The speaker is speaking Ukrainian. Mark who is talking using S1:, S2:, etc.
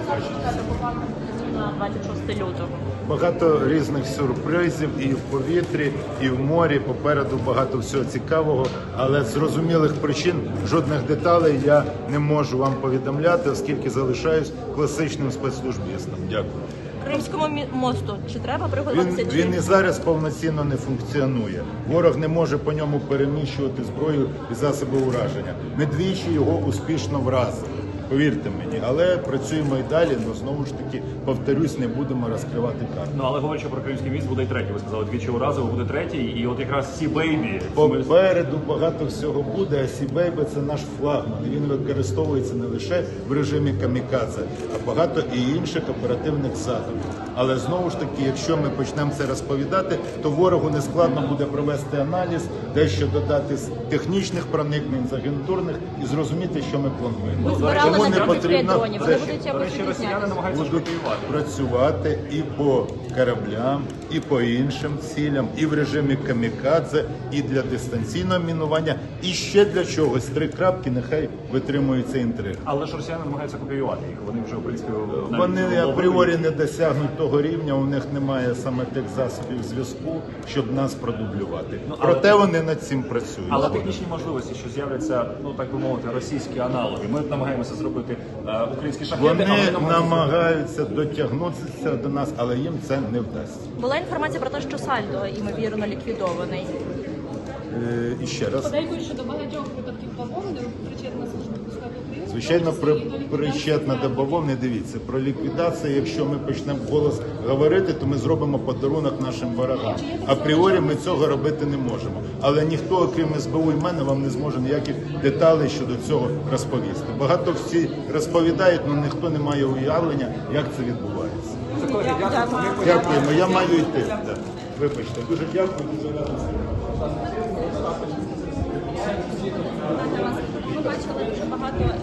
S1: На 26 лютого.
S2: Багато різних сюрпризів і в повітрі, і в морі. Попереду багато всього цікавого, але з зрозумілих причин жодних деталей я не можу вам повідомляти, оскільки залишаюсь класичним спецслужбістом. Дякую.
S1: Кримському мосту чи треба приготуватися?
S2: Він і зараз повноцінно не функціонує. Ворог не може по ньому переміщувати зброю і засоби ураження. Ми двічі його успішно вразили. Повірте мені, але працюємо і далі, але знову ж таки, повторюсь, не будемо розкривати карти.
S3: Ну, але говорячи про кримський міст, буде й третій. Ви сказали, двічі уразово, буде третій. І от якраз Сі Бейбі.
S2: Попереду багато всього буде, а Сі Бейбі – це наш флагман. Він використовується не лише в режимі камікадзе, а багато і інших оперативних засобів. Але знову ж таки, якщо ми почнемо це розповідати, то ворогу не складно буде провести аналіз, дещо додати з технічних проникнень, з агентурних і зрозуміти, що ми плануємо.
S1: Ви збирали
S2: Тому
S1: на
S2: не
S1: 35
S2: потрібно
S1: дронів, вони
S2: це
S1: будуть
S3: До
S1: якось
S3: речі, росіяни
S1: відрізнятися.
S3: намагаються
S2: будуть
S3: шпигувати.
S2: працювати і по кораблям, і по іншим цілям, і в режимі камікадзе, і для дистанційного мінування, і ще для чогось. 3 крапки, нехай витримується інтрига.
S3: Але ж росіяни намагаються копіювати їх. Вони вже, в принципі, навіть
S2: Вони
S3: вловили.
S2: апріорі не досягнуть того рівня, у них немає саме тих засобів зв'язку, щоб нас продублювати. Проте вони над цим працюють.
S3: Але технічні можливості, що з'являться, ну так би мовити, російські аналоги. Ми намагаємося зробити українські шахеди,
S2: Вони
S3: а вони
S2: намагаються дотягнутися до нас, але їм це не вдасться.
S1: Була інформація про те, що Сальдо, ймовірно, ліквідований.
S2: І ще раз.
S4: Подейкують, що до багатьох випадків бавовни причетна служба безпеки України.
S2: Звичайно,
S4: в тому числі і до ліквідації
S2: причетна до бавовни. Дивіться, про ліквідацію, якщо ми почнемо вголос говорити, то ми зробимо подарунок нашим ворогам. Апріорі ми цього робити не можемо. Але ніхто, окрім СБУ і мене, вам не зможе ніяких деталей щодо цього розповісти. Багато всі розповідають, але ніхто не має уявлення, як це відбувається. Дякуємо, я маю йти. Да. Вибачте, дуже дякую, дуже радий.
S1: Ми бачили дуже багато